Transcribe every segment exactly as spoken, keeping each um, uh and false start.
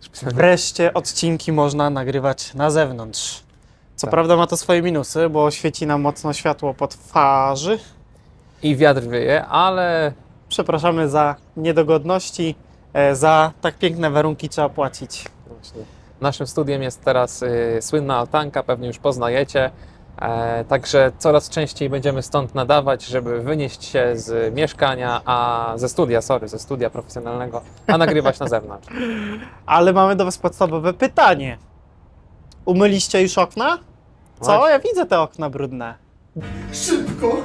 Wreszcie odcinki można nagrywać na zewnątrz. Co Tak. prawda ma to swoje minusy, bo świeci nam mocno światło pod twarzy. I wiatr wieje, ale Przepraszamy za niedogodności, e, za tak piękne warunki trzeba płacić. właśnie naszym studiem jest teraz y, słynna altanka, pewnie już poznajecie. E, także coraz częściej będziemy stąd nadawać, żeby wynieść się z mieszkania, a ze studia, sorry, ze studia profesjonalnego, a nagrywać na zewnątrz. Ale mamy do Was podstawowe pytanie. Umyliście już okna? Co? Właśnie. Ja widzę te okna brudne. Szybko!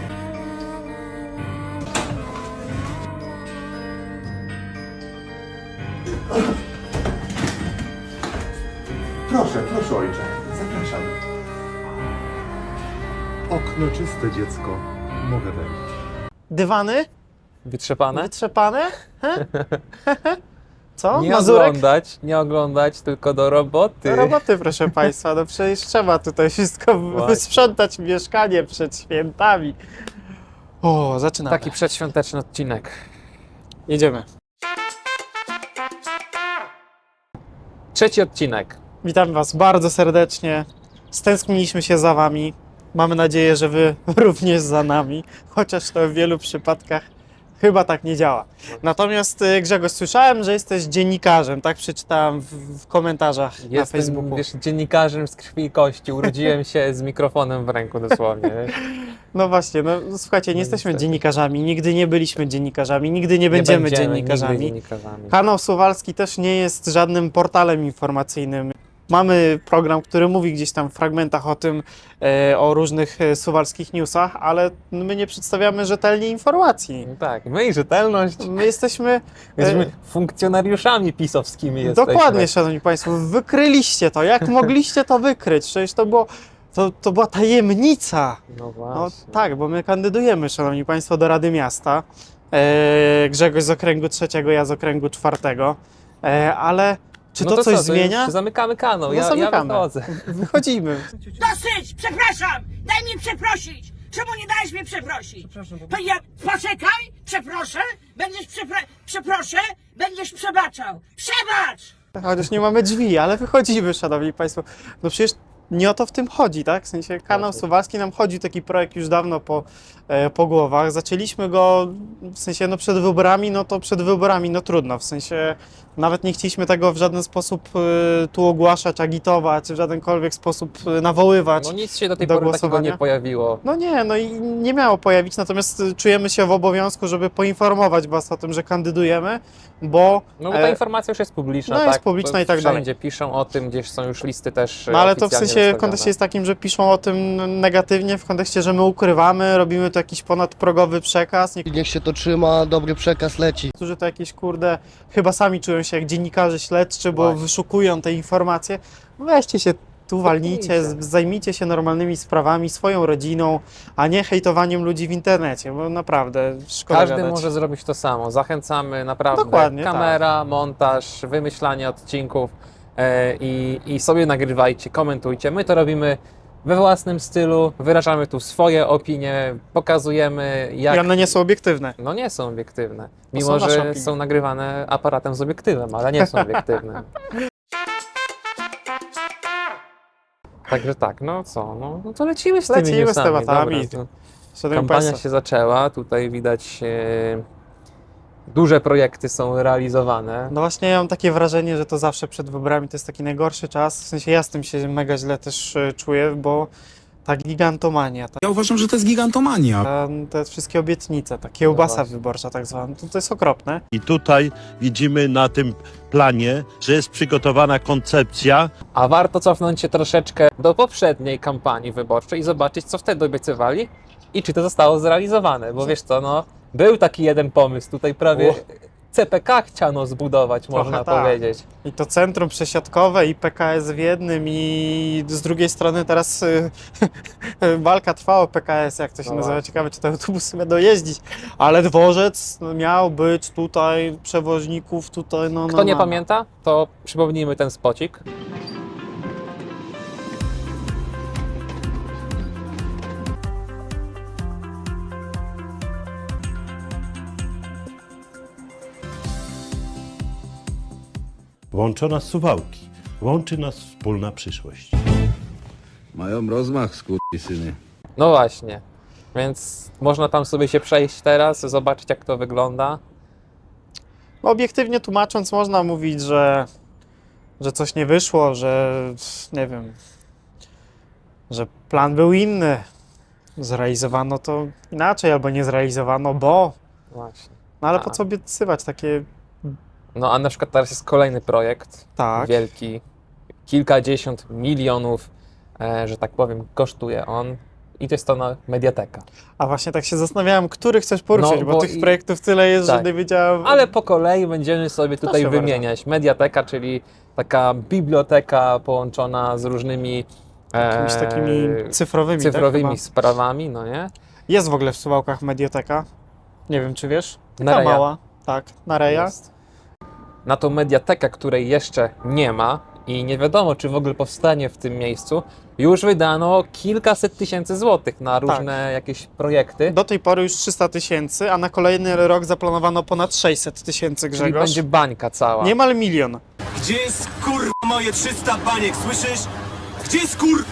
Proszę, proszę ojcze, zapraszam. Okno czyste, dziecko. Mogę wejść. Dywany? Wytrzepane? Wytrzepane? He? Co? Nie Mazurek? oglądać, nie oglądać, tylko do roboty. Do roboty, proszę Państwa. No przecież trzeba tutaj wszystko Właśnie. wysprzątać mieszkanie przed świętami. O, zaczynamy. Taki przedświąteczny odcinek. Jedziemy. Trzeci odcinek. Witam Was bardzo serdecznie. Stęskniliśmy się za Wami. Mamy nadzieję, że Wy również za nami, chociaż to w wielu przypadkach chyba tak nie działa. Natomiast y, Grzegorz, słyszałem, że jesteś dziennikarzem, tak przeczytałem w, w komentarzach na Jestem, Facebooku. wiesz, dziennikarzem z krwi i kości. Urodziłem się z mikrofonem w ręku dosłownie. No właśnie, no słuchajcie, nie No jesteśmy niestety. dziennikarzami, nigdy nie byliśmy dziennikarzami, nigdy nie będziemy, nie będziemy dziennikarzami. nigdy dziennikarzami. Kanał Suwalski też nie jest żadnym portalem informacyjnym. Mamy program, który mówi gdzieś tam w fragmentach o tym, e, o różnych e, suwalskich newsach, ale my nie przedstawiamy rzetelnie informacji. No tak, my i rzetelność. My jesteśmy... Jesteśmy e, funkcjonariuszami pisowskimi jesteśmy. Dokładnie, szanowni państwo, wykryliście to. Jak mogliście to wykryć? Przecież to było... To, to była tajemnica. No No właśnie. tak, bo my kandydujemy, szanowni państwo, do Rady Miasta. E, Grzegorz z okręgu trzeciego, ja z okręgu czwartego. E, ale czy No to, coś co, zmienia? już zamykamy kanał, No ja, ja zamykamy. wychodzę. Wychodzimy. Dosyć! Przepraszam! Daj mi przeprosić! Czemu nie dajesz mi przeprosić? Przepraszam. Ja, poczekaj! Przeproszę! Będziesz przepra... Przeproszę! Będziesz przebaczał! Przebacz! Chociaż nie mamy drzwi, ale wychodzimy, szanowni państwo. No przecież nie o to w tym chodzi, tak? W sensie kanał Właśnie. Suwalski nam chodzi taki projekt już dawno po, e, po głowach. Zaczęliśmy go w sensie no przed wyborami, no to przed wyborami, no trudno. W sensie nawet nie chcieliśmy tego w żaden sposób e, tu ogłaszać, agitować, w żadenkolwiek sposób e, nawoływać. No nic się do tej do pory takiego głosowania. nie pojawiło. No nie, no i nie miało pojawić, natomiast y, czujemy się w obowiązku, żeby poinformować Was o tym, że kandydujemy, bo... No bo ta e, informacja już jest publiczna, no tak? jest publiczna i tak dalej. Wszędzie piszą o tym, gdzieś są już listy też No ale to w oficjalnie sensie w wystawione. kontekście jest takim, że piszą o tym negatywnie, w kontekście, że my ukrywamy, robimy to jakiś ponadprogowy przekaz. Niech się to trzyma, dobry przekaz leci. Niektórzy to jakieś, kurde, chyba sami czują się jak dziennikarze śledczy, bo Właśnie. wyszukują te informacje. Weźcie się tu, walnijcie, Zapnijcie. z- zajmijcie się normalnymi sprawami, swoją rodziną, a nie hejtowaniem ludzi w internecie, bo naprawdę szkoda Każdy gadać. może zrobić to samo. Zachęcamy naprawdę. Dokładnie, Kamera, montaż, wymyślanie odcinków e, i, i sobie nagrywajcie, komentujcie. My to robimy we własnym stylu, wyrażamy tu swoje opinie, pokazujemy jak... I one nie są obiektywne. No nie są obiektywne. są Mimo, nasze że opinie. są nagrywane aparatem z obiektywem, ale nie są obiektywne. Także tak, no co, no, no to lecimy z tymi Lecimy z newsami. tematami. Dobra, to Szanowni kampania Państwo, się zaczęła, tutaj widać e, duże projekty są realizowane. no właśnie ja mam takie wrażenie, że to zawsze przed wyborami to jest taki najgorszy czas. W sensie ja z tym się mega źle też e, czuję, bo ta gigantomania, ta, Ja uważam, że to jest gigantomania. ta, te wszystkie obietnice, ta kiełbasa No właśnie. wyborcza tak zwana, to, to jest okropne. I tutaj widzimy na tym planie, że jest przygotowana koncepcja. A warto cofnąć się troszeczkę do poprzedniej kampanii wyborczej i zobaczyć, co wtedy obiecywali i czy to zostało zrealizowane. Bo wiesz co, no, był taki jeden pomysł, tutaj prawie O. C P K chciano zbudować, Trochę można tak. powiedzieć. I to centrum przesiadkowe i P K S w jednym i z drugiej strony teraz y, walka trwa o P K S, jak to się No nazywa. właśnie. Ciekawe, czy te autobusy będą jeździć. Ale dworzec miał być tutaj, przewoźników tutaj, no, no Kto nie no, no. pamięta, to przypomnijmy ten spocik. Włączona z Suwałki. Łączy nas wspólna przyszłość. Mają rozmach, skurwysyny. No właśnie, więc można tam sobie się przejść teraz, zobaczyć jak to wygląda. Obiektywnie tłumacząc, można mówić, że, że coś nie wyszło, że nie wiem, że plan był inny. Zrealizowano to inaczej, albo nie zrealizowano, bo. Właśnie. No ale A. po co obiecywać takie. No a na przykład teraz jest kolejny projekt, Tak. wielki, kilkadziesiąt milionów, e, że tak powiem, kosztuje on. I to jest to na Mediateka. A właśnie tak się zastanawiałem, który chcesz poruszyć, No, bo, bo tych i- projektów tyle jest, tak. że nie wiedziałem. Ale po kolei będziemy sobie tutaj Proszę wymieniać. Mediateka, czyli taka biblioteka połączona z różnymi e, Jakimiś takimi cyfrowymi, cyfrowymi tak, chyba. sprawami, no nie? Jest w ogóle w Suwałkach medioteka. Nie wiem, czy wiesz? Taka Nereja. mała. Tak, Nareja. Jest. Na tą mediatekę, której jeszcze nie ma i nie wiadomo, czy w ogóle powstanie w tym miejscu, już wydano kilkaset tysięcy złotych na różne jakieś projekty. Do tej pory już trzysta tysięcy, a na kolejny rok zaplanowano ponad sześćset tysięcy, Czyli Grzegorz. będzie bańka cała. Niemal milion. Gdzie jest kurwa moje trzysta baniek, słyszysz? Gdzie jest kur...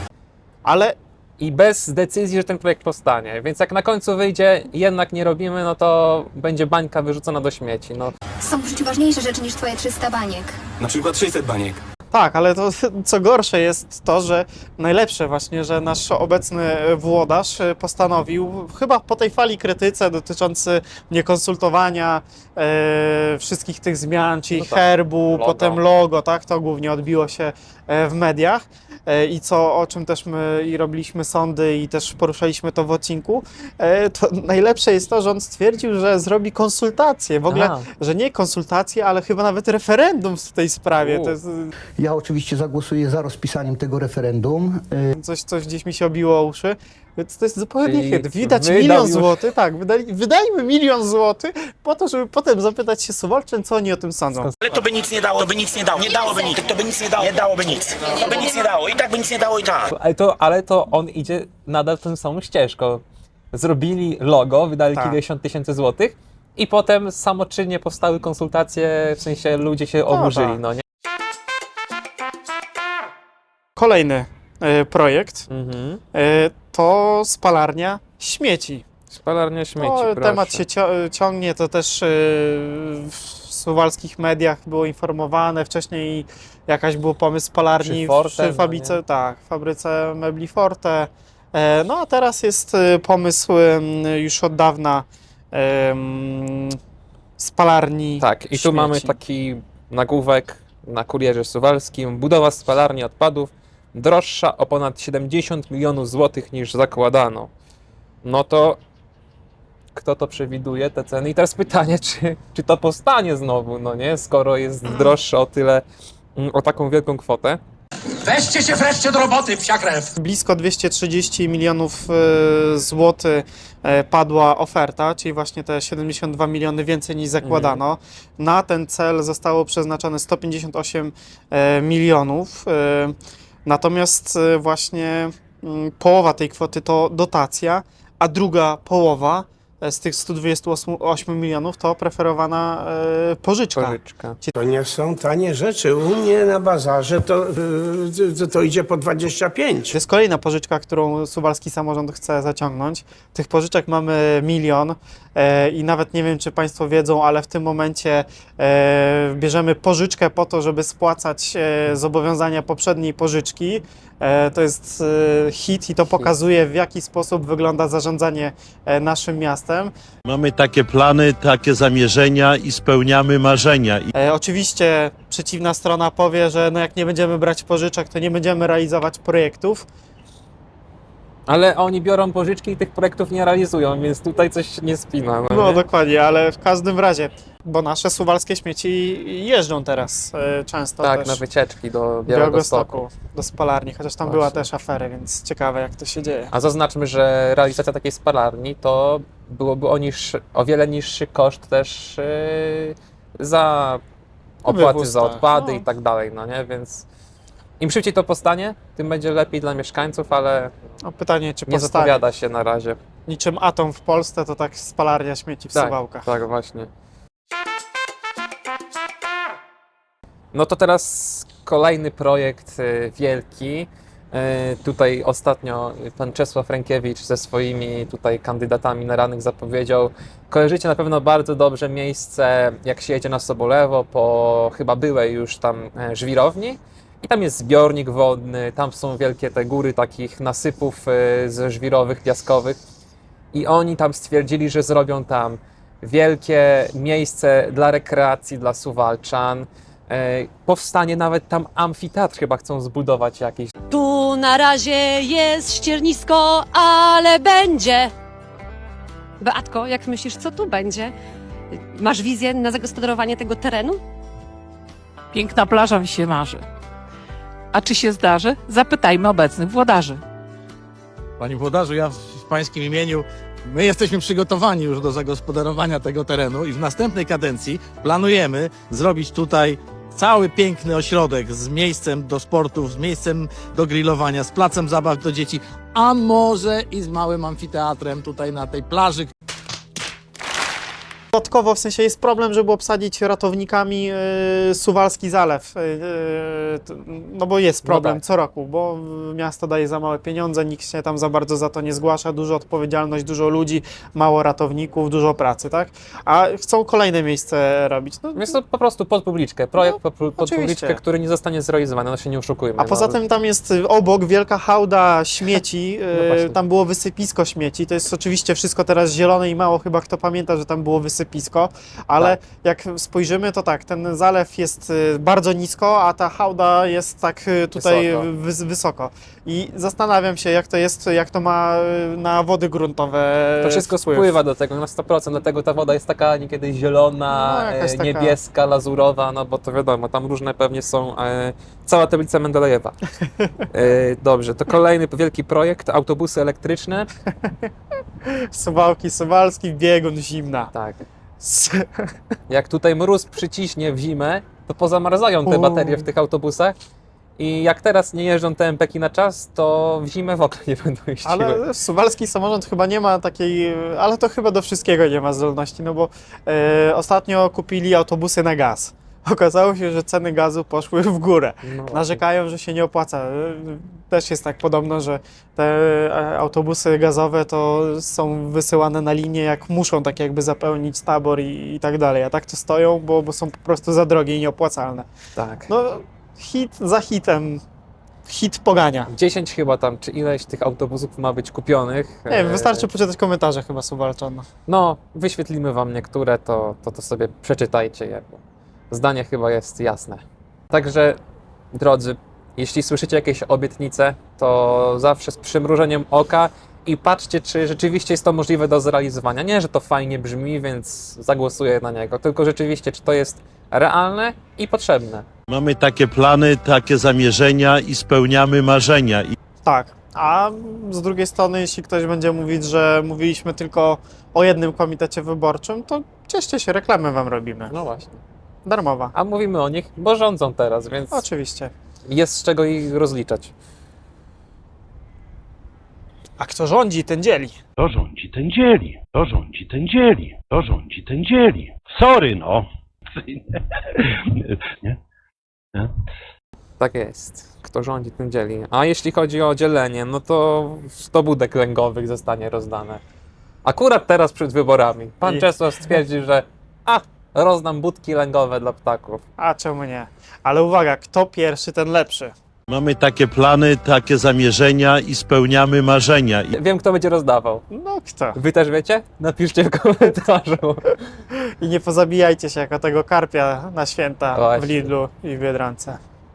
Ale I bez decyzji, że ten projekt powstanie. Więc jak na końcu wyjdzie, jednak nie robimy, no to będzie bańka wyrzucona do śmieci. No, Są w życiu ważniejsze rzeczy niż twoje trzysta baniek. Na przykład sześćset baniek. tak, ale to co gorsze jest to, że najlepsze właśnie, że nasz obecny włodarz postanowił, chyba po tej fali krytyce dotyczący niekonsultowania e, wszystkich tych zmian, czyli No tak, herbu, logo. potem logo, tak, to głównie odbiło się e, w mediach. E, I co, o czym też my i robiliśmy sądy i też poruszaliśmy to w odcinku, e, to najlepsze jest to, że on stwierdził, że zrobi konsultacje. W ogóle, A. że nie konsultacje, ale chyba nawet referendum w tej sprawie. U. To jest Ja oczywiście zagłosuję za rozpisaniem tego referendum. Y, coś, coś gdzieś mi się obiło o uszy. Więc to jest zupełnie Czyli hit. Widać wydał milion już- złotych, tak, wydali, wydajmy milion złotych po to, żeby potem zapytać się Suwalczyn, co oni o tym sądzą. Ale to by nic nie dało, to by nic nie dało, nie dałoby nic, to by nic nie dało, nie dałoby nic, to by nic nie dało, i tak by nic nie dało i tak. ale, to, ale to on idzie nadal tą samą ścieżką. Zrobili logo, wydali Tak. kilkadziesiąt tysięcy złotych i potem samoczynnie powstały konsultacje, w sensie ludzie się oburzyli, tak. no nie? Kolejny e, projekt Mhm. e, to spalarnia śmieci. Spalarnia śmieci, No, proszę. temat się cio- ciągnie, to też e, w suwalskich mediach było informowane. Wcześniej jakaś był pomysł spalarni Przy w- Forte, przy no fabryce, nie? tak, w fabryce mebli Forte. E, no a teraz jest e, pomysł em, już od dawna em, spalarni Tak, i tu śmieci. mamy taki nagłówek na Kurierze Suwalskim. Budowa spalarni odpadów droższa o ponad siedemdziesiąt milionów złotych niż zakładano. No to kto to przewiduje, te ceny? I teraz pytanie, czy, czy to powstanie znowu, no nie? Skoro jest droższe o tyle, mm, o taką wielką kwotę. Weźcie się wreszcie do roboty, psia krew! Blisko dwieście trzydzieści milionów e, złotych e, padła oferta, czyli właśnie te siedemdziesiąt dwa miliony więcej niż zakładano. Na ten cel zostało przeznaczone sto pięćdziesiąt osiem e, milionów. E, natomiast e, właśnie mm, połowa tej kwoty to dotacja, a druga połowa e, z tych sto dwadzieścia osiem milionów to preferowana e, pożyczka. Pożyczka. To nie są tanie rzeczy. U mnie na bazarze to, yy, to, to idzie po dwadzieścia pięć. To jest kolejna pożyczka, którą suwalski samorząd chce zaciągnąć. Tych pożyczek mamy milion e, i nawet nie wiem, czy Państwo wiedzą, ale w tym momencie e, bierzemy pożyczkę po to, żeby spłacać e, zobowiązania poprzedniej pożyczki. E, to jest e, hit i to pokazuje, w jaki sposób wygląda zarządzanie e, naszym miastem. Mamy takie plany, takie zamierzenia i spełniamy marzenia. I E, oczywiście przeciwna strona powie, że no jak nie będziemy brać pożyczek, to nie będziemy realizować projektów. Ale oni biorą pożyczki i tych projektów nie realizują, więc tutaj coś nie spina. No, No nie? dokładnie, ale w każdym razie, bo nasze suwalskie śmieci jeżdżą teraz e, często Tak, też na wycieczki do do Białegostoku. Białegostoku, do spalarni, chociaż tam Właśnie. była też afera, więc ciekawe jak to się dzieje. A zaznaczmy, że realizacja takiej spalarni to byłoby o, niższy, o wiele niższy koszt też yy, za opłaty Wywóz, za tak. odpady No. i tak dalej, no nie? Więc im szybciej to powstanie, tym będzie lepiej dla mieszkańców, ale No, pytanie, czy nie powstanie. zapowiada się na razie. Niczym atom w Polsce, to tak spalarnia śmieci w Tak, Suwałkach. tak, właśnie. No to teraz kolejny projekt y, wielki. Y, Tutaj ostatnio pan Czesław Rękiewicz ze swoimi tutaj kandydatami na radnych zapowiedział. Kojarzycie na pewno bardzo dobrze miejsce, jak się jedzie na Sobolewo, po chyba byłej już tam e, żwirowni. I tam jest zbiornik wodny, tam są wielkie te góry takich nasypów e, ze żwirowych, piaskowych. I oni tam stwierdzili, że zrobią tam wielkie miejsce dla rekreacji, dla Suwalczan. E, Powstanie nawet tam amfiteatr chyba chcą zbudować jakiś. Tu na razie jest ściernisko, ale będzie. Beatko, jak myślisz, co tu będzie? Masz wizję na zagospodarowanie tego terenu? Piękna plaża mi się marzy. A czy się zdarzy? Zapytajmy obecnych włodarzy. Panie włodarzu, ja w pańskim imieniu, my jesteśmy przygotowani już do zagospodarowania tego terenu i w następnej kadencji planujemy zrobić tutaj cały piękny ośrodek z miejscem do sportów, z miejscem do grillowania, z placem zabaw do dzieci, a może i z małym amfiteatrem tutaj na tej plaży. Dodatkowo w sensie jest problem, żeby obsadzić ratownikami yy, Suwalski Zalew, yy, t- no bo jest problem No tak. co roku, bo miasto daje za małe pieniądze, nikt się tam za bardzo za to nie zgłasza, dużo odpowiedzialność, dużo ludzi, mało ratowników, dużo pracy, tak? A chcą kolejne miejsce robić. No, Jest to po prostu pod publiczkę, projekt No, pod, pod oczywiście. publiczkę, który nie zostanie zrealizowany, no się nie oszukujmy. a poza no. tym tam jest y, obok wielka hałda śmieci, No y, właśnie. tam było wysypisko śmieci, to jest oczywiście wszystko teraz zielone i mało chyba kto pamięta, że tam było wysypisko, ale Tak. jak spojrzymy, to tak, ten zalew jest y, bardzo nisko, a ta hałda jest tak y, tutaj Wysoko. wys- wysoko. I zastanawiam się, jak to jest, jak to ma y, na wody gruntowe To wszystko wpływ. spływa do tego na sto procent, dlatego ta woda jest taka niekiedy zielona, No, jakaś e, taka- niebieska, lazurowa, no bo to wiadomo, tam różne pewnie są, e, cała tablica Mendelejewa. E, dobrze, to kolejny wielki projekt, autobusy elektryczne. Suwałki, Suwalski, biegun, zimna. Tak. Jak tutaj mróz przyciśnie w zimę, to pozamarzają te Uuu. baterie w tych autobusach i jak teraz nie jeżdżą te em pe ki na czas, to w zimę w ogóle nie będą jeździły. Ale Suwalski samorząd chyba nie ma takiej, ale to chyba do wszystkiego nie ma zdolności, no bo e, ostatnio kupili autobusy na gaz. Okazało się, że ceny gazu poszły w górę. No, Narzekają, że się nie opłaca. E, Też jest tak podobno, że te e, autobusy gazowe to są wysyłane na linię, jak muszą tak jakby zapełnić tabor i, i tak dalej. A tak to stoją, bo, bo są po prostu za drogie i nieopłacalne. tak. No hit za hitem. Hit pogania. dziesięć chyba tam, czy ileś tych autobusów ma być kupionych. Nie wiem, E, wystarczy poczytać komentarze chyba Suwalczan. No, wyświetlimy wam niektóre, to, to, to sobie przeczytajcie je, bo zdanie chyba jest jasne. Także, drodzy, jeśli słyszycie jakieś obietnice, to zawsze z przymrużeniem oka i patrzcie, czy rzeczywiście jest to możliwe do zrealizowania. Nie, że to fajnie brzmi, więc zagłosuję na niego, tylko rzeczywiście, czy to jest realne i potrzebne. Mamy takie plany, takie zamierzenia i spełniamy marzenia. I Tak, a z drugiej strony, jeśli ktoś będzie mówić, że mówiliśmy tylko o jednym komitecie wyborczym, to cieszcie się, reklamę wam robimy. No właśnie. Darmowa. A mówimy o nich, bo rządzą teraz, więc Oczywiście. jest z czego ich rozliczać. A kto rządzi, ten dzieli. to rządzi, ten dzieli. To rządzi, ten dzieli. To rządzi, ten dzieli. Sorry, no. Nie? Nie? Tak jest. Kto rządzi, tym dzieli. A jeśli chodzi o dzielenie, no to sto budek lęgowych zostanie rozdane. Akurat teraz przed wyborami. Pan I- Czesław stwierdził, że a, rozdam budki lęgowe dla ptaków. A czemu nie? Ale uwaga, kto pierwszy, ten lepszy. Mamy takie plany, takie zamierzenia i spełniamy marzenia. I Wiem, kto będzie rozdawał. No kto? Wy też wiecie? Napiszcie w komentarzu. I nie pozabijajcie się jako tego karpia na święta Właśnie. w Lidlu i w Biedronce.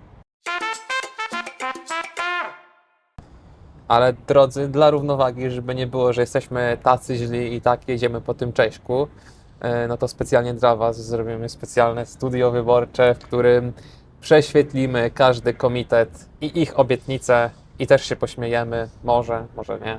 Ale drodzy, dla równowagi, żeby nie było, że jesteśmy tacy źli i tak jedziemy po tym Cześćku, e, no to specjalnie dla Was zrobimy specjalne studio wyborcze, w którym prześwietlimy każdy komitet i ich obietnice i też się pośmiejemy. Może, może nie.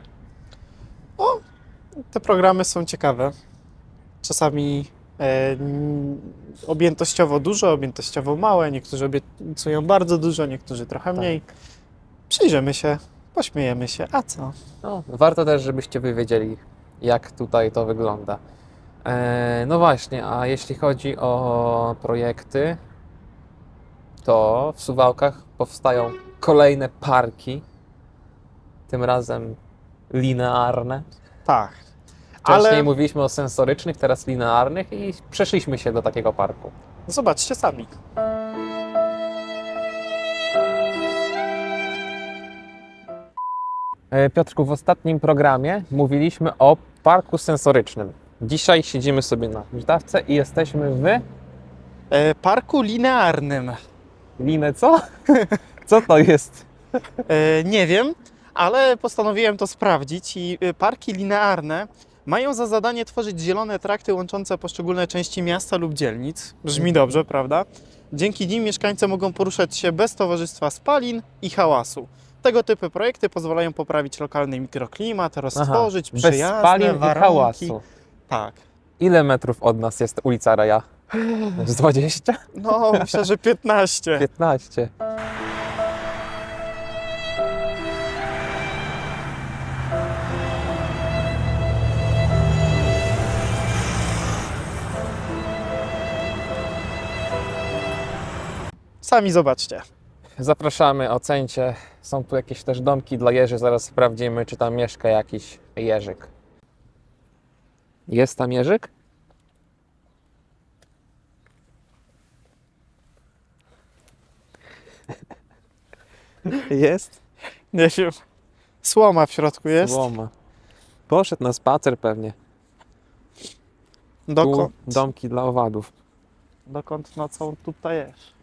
Te programy są ciekawe. Czasami e, n- objętościowo dużo, objętościowo małe. Niektórzy obiecują bardzo dużo, niektórzy trochę mniej. Przyjrzymy się, pośmiejemy się. A co? No, warto też, żebyście Wy wiedzieli, jak tutaj to wygląda. E, no właśnie, a jeśli chodzi o projekty, to w Suwałkach powstają kolejne parki, tym razem linearne. Tak. Wcześniej Ale mówiliśmy o sensorycznych, teraz linearnych i przeszliśmy się do takiego parku. zobaczcie sami. E, Piotrku, w ostatnim programie mówiliśmy o parku sensorycznym. Dzisiaj siedzimy sobie na huśtawce i jesteśmy w E, parku linearnym. Linę co? Co to jest? E, nie wiem, ale postanowiłem to sprawdzić i e, parki linearne mają za zadanie tworzyć zielone trakty łączące poszczególne części miasta lub dzielnic. Brzmi dobrze, prawda? Dzięki nim mieszkańcy mogą poruszać się bez towarzystwa spalin i hałasu. Tego typu projekty pozwalają poprawić lokalny mikroklimat, roztworzyć bez przyjazne spalin i warunki. hałasu. Tak. Ile metrów od nas jest ulica Reja? Z dwadzieścia? No, myślę, że piętnaście. piętnaście. Sami zobaczcie. Zapraszamy, ocencie. Są tu jakieś też domki dla jeży. Zaraz sprawdzimy, czy tam mieszka jakiś jeżyk. Jest tam jeżyk? Jest. Nie wiem. Słoma w środku jest. Słoma. Poszedł na spacer pewnie. Tu Dokąd? domki dla owadów. Dokąd nocą tutaj jest?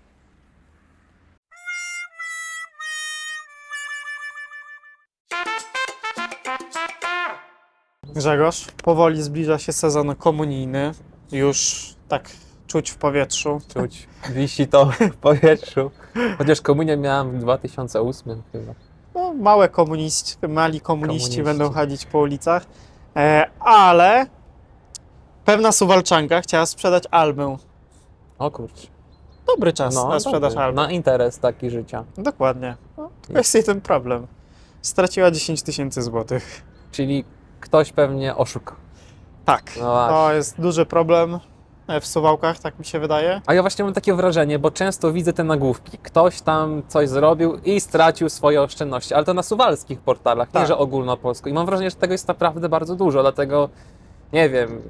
Grzegorz, powoli zbliża się sezon komunijny. Już tak czuć w powietrzu. Czuć. Wisi to w powietrzu. Chociaż komunię miałem w dwa tysiące ósmym chyba. No, małe komuniści, mali komuniści, Komuniści. będą chodzić po ulicach. E, ale pewna Suwalczanka chciała sprzedać albę. O kurczę. Dobry czas na sprzedaż dobry. album. Na interes taki życia. Dokładnie. No, to jest jej ten problem. Straciła dziesięć tysięcy złotych. Czyli ktoś pewnie oszukał. Tak, No właśnie. to jest duży problem w Suwałkach, tak mi się wydaje. A ja właśnie mam takie wrażenie, bo często widzę te nagłówki. Ktoś tam coś zrobił i stracił swoje oszczędności, ale to na suwalskich portalach, nie Tak. że ogólnopolsko. I mam wrażenie, że tego jest naprawdę bardzo dużo, dlatego nie wiem,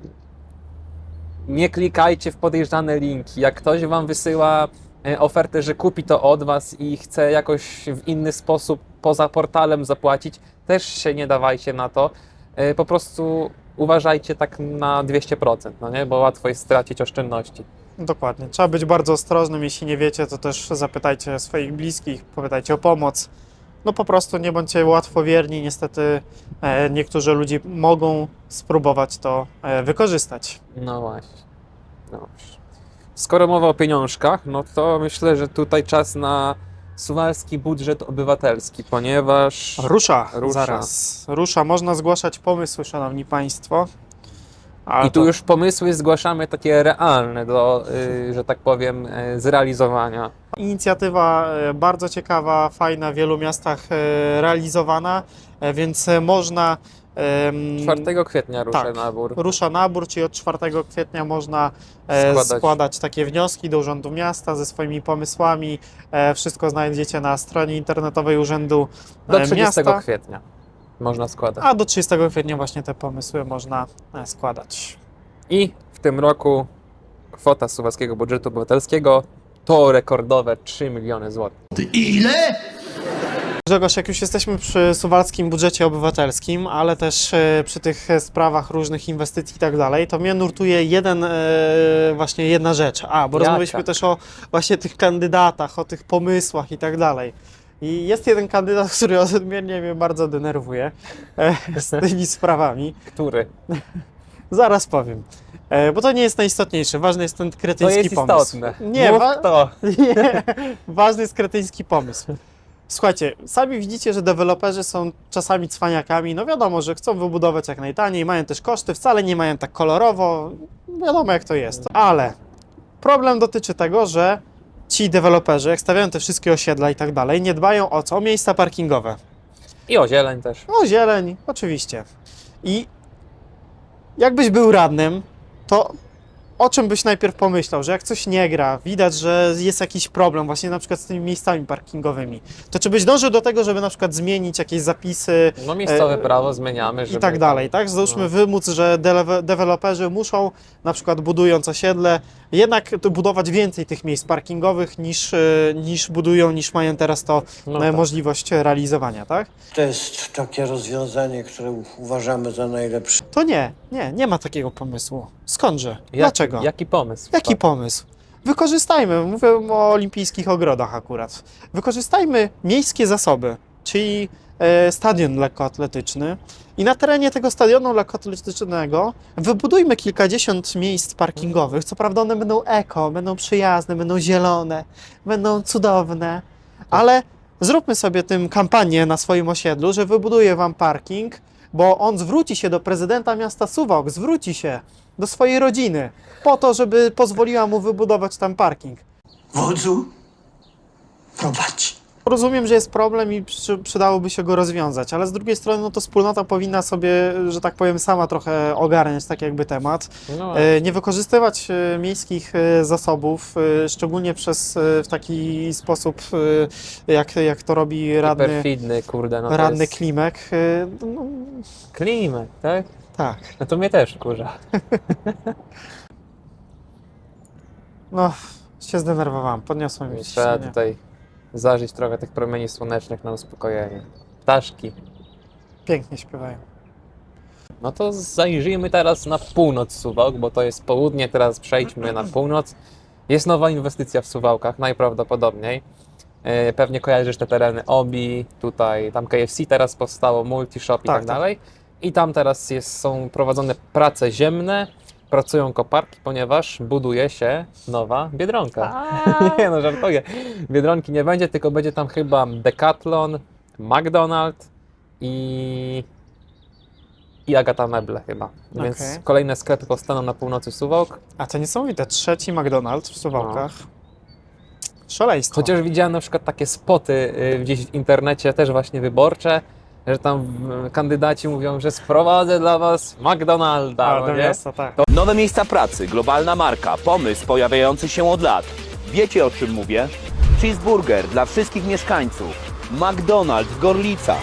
nie klikajcie w podejrzane linki. Jak ktoś wam wysyła e, ofertę, że kupi to od was i chce jakoś w inny sposób poza portalem zapłacić, też się nie dawajcie na to. E, Po prostu uważajcie tak na dwieście procent, no nie? Bo łatwo jest stracić oszczędności. Dokładnie. Trzeba być bardzo ostrożnym. Jeśli nie wiecie, to też zapytajcie swoich bliskich, popytajcie o pomoc. No po prostu nie bądźcie łatwowierni. Niestety e, niektórzy ludzie mogą spróbować to e, wykorzystać. No właśnie. Dobrze. Skoro mowa o pieniążkach, no to myślę, że tutaj czas na suwalski budżet obywatelski, ponieważ Rusza, Rusza. zaraz. Rusza. Można zgłaszać pomysły, szanowni państwo. Ale i tu to- już pomysły zgłaszamy takie realne do, y, że tak powiem, y, zrealizowania. Inicjatywa e, bardzo ciekawa, fajna, w wielu miastach e, realizowana, e, więc e, można... em, czwartego kwietnia rusza tak. nabór. Rusza nabór, czyli od czwartego kwietnia można e, Składać. składać. takie wnioski do Urzędu Miasta ze swoimi pomysłami. E, wszystko znajdziecie na stronie internetowej Urzędu e, Do trzydziestego Miasta. kwietnia można składać. A do trzydziestego kwietnia właśnie te pomysły można e, składać. I w tym roku kwota suwalskiego budżetu obywatelskiego to rekordowe trzy miliony złotych. Grzegorz, jak już jesteśmy przy suwalskim budżecie obywatelskim, ale też e, przy tych e, sprawach różnych inwestycji i tak dalej, to mnie nurtuje jeden, e, właśnie jedna rzecz. A, bo Jaka? rozmawialiśmy też o właśnie tych kandydatach, o tych pomysłach i tak dalej. I jest jeden kandydat, który odmiennie mnie bardzo denerwuje e, z tymi sprawami. Który? Zaraz powiem. E, bo to nie jest najistotniejsze. Ważny jest ten To kretyński jest pomysł. istotne. Nie, Mów wa- to. nie, ważny jest kretyński pomysł. Słuchajcie, sami widzicie, że deweloperzy są czasami cwaniakami. No wiadomo, że chcą wybudować jak najtaniej, mają też koszty, wcale nie mają tak kolorowo. Wiadomo jak to jest. Ale problem dotyczy tego, że ci deweloperzy, jak stawiają te wszystkie osiedla i tak dalej, nie dbają o co? O miejsca parkingowe. I o zieleń też. O zieleń, oczywiście. I jakbyś był radnym, to o czym byś najpierw pomyślał, że jak coś nie gra, widać, że jest jakiś problem właśnie na przykład z tymi miejscami parkingowymi, to czy byś dążył do tego, żeby na przykład zmienić jakieś zapisy No miejscowe e, prawo zmieniamy, żeby... i tak dalej, tak? Załóżmy no. wymóc, że dele- deweloperzy muszą na przykład budując osiedle jednak to budować więcej tych miejsc parkingowych niż, e, niż budują, niż mają teraz to No e, tak. możliwość realizowania, tak? To jest takie rozwiązanie, które uważamy za najlepsze. To nie, nie, nie ma takiego pomysłu. Skądże? Jak- Dlaczego? Jaki pomysł? Jaki pomysł? Wykorzystajmy, mówię o olimpijskich ogrodach akurat, wykorzystajmy miejskie zasoby, czyli e, stadion lekkoatletyczny i na terenie tego stadionu lekkoatletycznego wybudujmy kilkadziesiąt miejsc parkingowych. Co prawda one będą eko, będą przyjazne, będą zielone, będą cudowne, ale zróbmy sobie tym kampanię na swoim osiedlu, że wybuduję wam parking, bo on zwróci się do prezydenta miasta Suwałk, zwróci się do swojej rodziny po to, żeby pozwoliła mu wybudować tam parking. Wodzu, prowadź. Rozumiem, że jest problem i przy, przydałoby się go rozwiązać, ale z drugiej strony no to wspólnota powinna sobie, że tak powiem, sama trochę ogarniać tak jakby temat. No, E, nie wykorzystywać e, miejskich e, zasobów, e, szczególnie przez e, w taki sposób, e, jak, jak to robi radny, perfidny, kurde, no to radny jest... Klimek. E, no, Klimek, tak? tak. No to mnie też wkurza. No, się zdenerwowałem, podniosłem mi Trzeba ciśnienie. tutaj zażyć trochę tych promieni słonecznych na uspokojenie. Ptaszki. Pięknie śpiewają. No to zajrzyjmy teraz na północ Suwałk, bo to jest południe, teraz przejdźmy na północ. Jest nowa inwestycja w Suwałkach, najprawdopodobniej. E, Pewnie kojarzysz te tereny Obi, tutaj, tam K F C teraz powstało, Multishop i Tak, tak dalej. I tam teraz jest, są prowadzone prace ziemne, pracują koparki, ponieważ buduje się nowa Biedronka. Nie no, żartuję. Biedronki nie będzie, tylko będzie tam chyba Decathlon, McDonald's i... i Agata Meble chyba. Więc Okej. kolejne sklepy powstaną na północy Suwałk. A to niesamowite, trzeci McDonald's w Suwałkach. Szaleństwo. Chociaż widziałem na przykład takie spoty y, gdzieś w internecie, też właśnie wyborcze, że tam y, kandydaci mówią, że sprowadzę dla was McDonalda, A, no do nie? miasta, tak. Nowe miejsca pracy, globalna marka, pomysł pojawiający się od lat. Wiecie o czym mówię? Cheeseburger dla wszystkich mieszkańców. McDonald's w Gorlicach.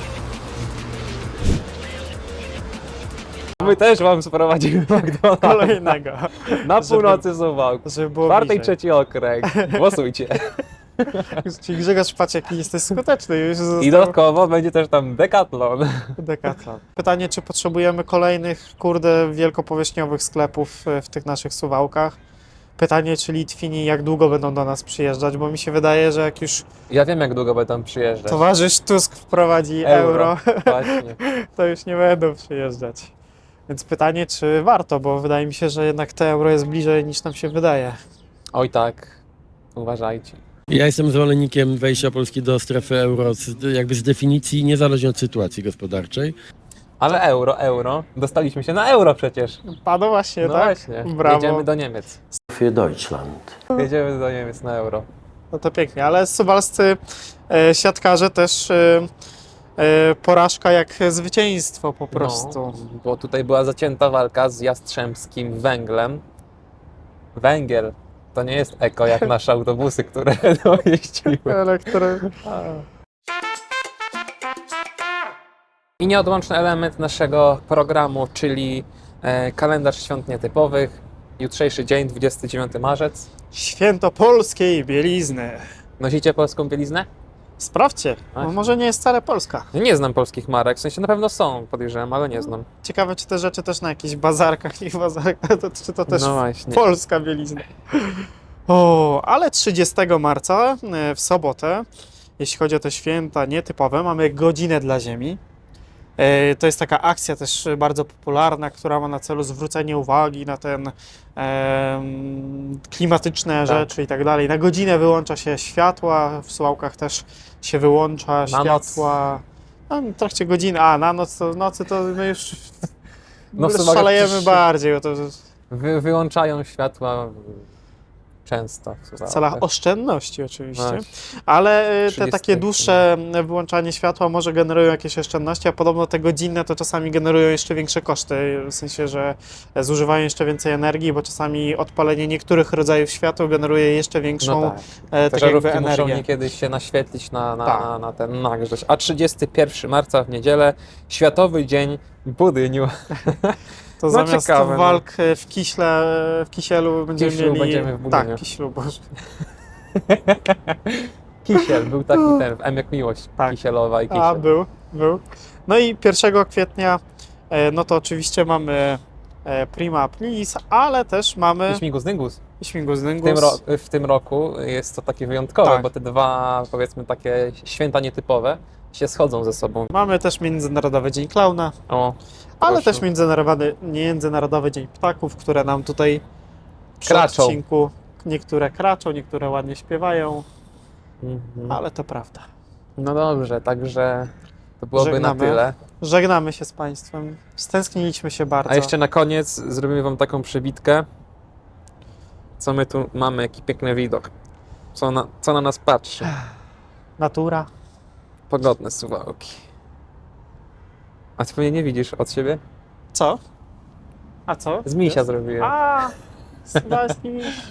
My też wam sprowadzimy McDonalda Kolejnego. na Żeby- północy Suwałk. Żeby było Czwarty i bliżej. trzeci okręg. Głosujcie. Czyli Grzegorz Paciek jesteś skuteczny już został I dodatkowo będzie też tam Decathlon. Decathlon. Pytanie, czy potrzebujemy kolejnych, kurde, wielkopowierzchniowych sklepów e, w tych naszych Suwałkach? Pytanie, czy Litwini jak długo będą do nas przyjeżdżać, bo mi się wydaje, że jak już Ja wiem, jak długo będą przyjeżdżać. towarzysz Tusk wprowadzi euro, Właśnie. to już nie będą przyjeżdżać. Więc pytanie, czy warto, bo wydaje mi się, że jednak te euro jest bliżej niż nam się wydaje. Oj tak, uważajcie. Ja jestem zwolennikiem wejścia Polski do strefy euro, z- jakby z definicji, niezależnie od sytuacji gospodarczej. Ale euro, euro. Dostaliśmy się na euro przecież. Padło właśnie, No tak? właśnie. Brawo. Jedziemy do Niemiec. Für Deutschland. Jedziemy do Niemiec na euro. No to pięknie, ale suwalscy e, siatkarze też e, e, porażka jak zwycięstwo po prostu. No, bo tutaj była zacięta walka z Jastrzębskim Węglem. Węgiel to nie jest eko jak nasze autobusy, które dojeździły. Elektry... I nieodłączny element naszego programu, czyli e, kalendarz świąt nietypowych. Jutrzejszy dzień, dwudziesty dziewiąty marzec. Święto polskiej bielizny. Nosicie polską bieliznę? Sprawdźcie, bo Właśnie. może nie jest wcale Polska. Ja nie znam polskich marek, w sensie na pewno są, podejrzewam, ale nie znam. Ciekawe, czy te rzeczy też na jakichś bazarkach, ich bazarkach, to, czy to też No właśnie. polska bielizna. O, ale trzydziestego marca e, w sobotę, jeśli chodzi o te święta nietypowe, mamy godzinę dla Ziemi. E, To jest taka akcja też bardzo popularna, która ma na celu zwrócenie uwagi na ten em, klimatyczne rzeczy i tak dalej. Na godzinę wyłącza się światła, w Suwałkach też się wyłącza Na noc. światła. No, w trakcie godziny, a na noc to, w nocy to my już No w Suwałkach szalejemy też- bardziej. Bo to, Wy, wyłączają światła często. W celach oszczędności oczywiście, Właśnie. ale y, te trzydzieści takie dłuższe wyłączanie światła może generują jakieś oszczędności, a podobno te godzinne to czasami generują jeszcze większe koszty, w sensie, że zużywają jeszcze więcej energii, bo czasami odpalenie niektórych rodzajów światła generuje jeszcze większą No tak. e, Te tak jakby żarówki muszą energię. niekiedy się naświetlić na, na, Tak. na, na ten nagrzeć. A trzydziestego pierwszego marca w niedzielę, Światowy Dzień Budyniu. To No zamiast ciekawe, no. walk w kiśle, w kisielu będziemy Kiślu mieli... będziemy w Budyniu. Tak, kiślu, boże. Kisiel, był taki ten, w M jak Miłość, Tak. Kisielowa i Kisiel. A, był, był. No i pierwszego kwietnia, e, no to oczywiście mamy e, Prima Aprilis, ale też mamy I Śmigus Dyngus. Śmigus W Dyngus. tym, ro- w tym roku jest to takie wyjątkowe, Tak. bo te dwa, powiedzmy, takie święta nietypowe się schodzą ze sobą. Mamy też Międzynarodowy Dzień Klauna, O, ale proszę. też Międzynarodowy, Międzynarodowy Dzień Ptaków, które nam tutaj przy Kraczą. odcinku niektóre kraczą, niektóre ładnie śpiewają, Mhm. ale to prawda. No dobrze, także to byłoby Żegnamy. na tyle. Żegnamy się z Państwem, stęskniliśmy się bardzo. A jeszcze na koniec zrobimy Wam taką przebitkę. Co my tu mamy, jaki piękny widok. Co na, co na nas patrzy. Natura. Pogodne Suwałki. A Ty mnie nie widzisz od siebie? Co? A co? Z misia Jest? zrobiłem. A, Suwalski miś.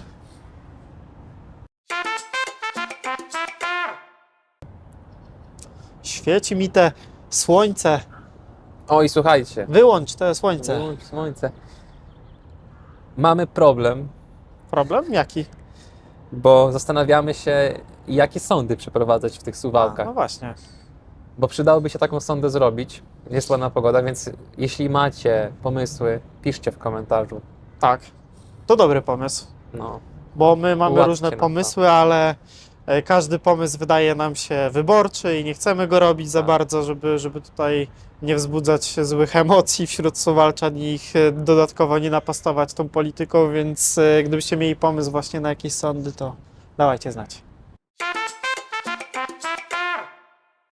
Świeci mi te słońce. O i słuchajcie. Wyłącz te słońce. Wyłącz słońce. Mamy problem, Problem? Jaki? bo zastanawiamy się, jakie sądy przeprowadzać w tych A, Suwałkach. no właśnie. Bo przydałoby się taką sondę zrobić. Jest ładna pogoda, więc jeśli macie pomysły, piszcie w komentarzu. Tak. To dobry pomysł. No. Bo my mamy Ułatwcie różne nam pomysły, ale e, każdy pomysł wydaje nam się wyborczy i nie chcemy go robić za Tak. bardzo, żeby, żeby tutaj nie wzbudzać złych emocji wśród Suwalczan i ich e, dodatkowo nie napastować tą polityką, więc e, gdybyście mieli pomysł właśnie na jakieś sądy, to dawajcie znać.